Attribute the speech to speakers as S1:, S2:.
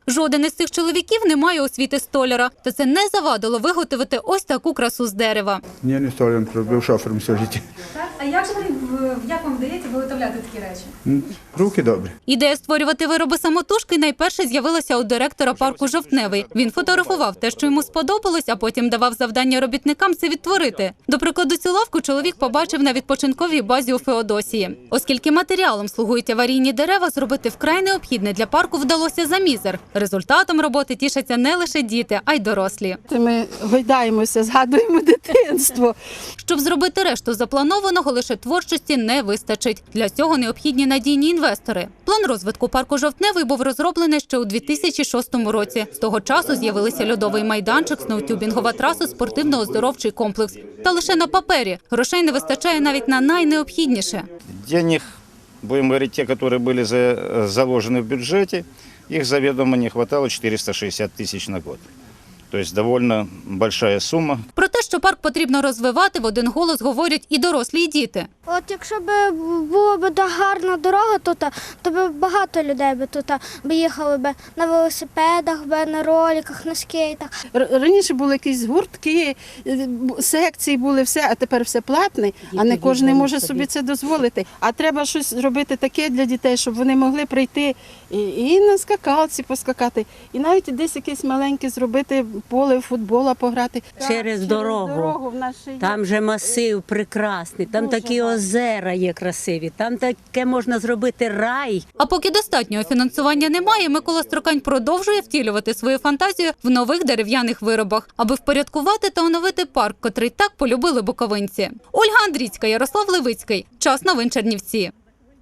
S1: Жоден із цих чоловіків не має освіти столяра, та це не завадило виготовити ось таку красу з дерева.
S2: Ні, не столяр, був шофером все життя.
S3: А як вам вдається виготовляти такі речі?
S2: Руки добрі.
S1: Ідея створювати вироби самотужки найперше з'явилася у директора парку «Жовтневий». Він фотографував те, що йому сподобалось, а потім давав завдання робітникам це відтворити. До прикладу, цю лавку чоловік побачив на відпочинковій базі у Феодосії. Оскільки матеріалом слугують аварійні дерева, зробити вкрай необхідне для парку вдалося за мізер. Результатом роботи тішаться не лише діти, а й дорослі.
S4: Ми гойдаємося, згадуємо дитинство.
S1: Щоб зробити решту запланованого, лише творчості не вистачить. Для цього необхідні надійні інвестори. План розвитку парку «Жовтневий» був розроблений ще у 2006 році. З того часу з'явилися льодовий майданчик, сноутюбінгова траса, спортивно-оздоровчий комплекс. Та лише на папері. Грошей не вистачає навіть на найнеобхідніше.
S5: Денег, будем говорить, те, которые были заложены в бюджете, их заведомо не хватало 460 тысяч на год. Тобто доволі велика сума.
S1: Про те, що парк потрібно розвивати, в один голос говорять і дорослі, і діти.
S6: От якщо б була б гарна дорога тут, то б багато людей б тут їхали б на велосипедах, на роликах, на скейтах.
S4: Раніше були якісь гуртки, секції були, все, а тепер все платне, а не кожен може собі це дозволити. А треба щось робити таке для дітей, щоб вони могли прийти і на скакалці поскакати, і навіть десь якесь маленьке зробити поле футбола пограти.
S7: Через дорогу. Там же масив прекрасний, там такі озера є красиві, там таке можна зробити рай.
S1: А поки достатнього фінансування немає, Микола Строкань продовжує втілювати свою фантазію в нових дерев'яних виробах, аби впорядкувати та оновити парк, котрий так полюбили буковинці. Ольга Андрійська, Ярослав Левицький. Час новин Чернівці.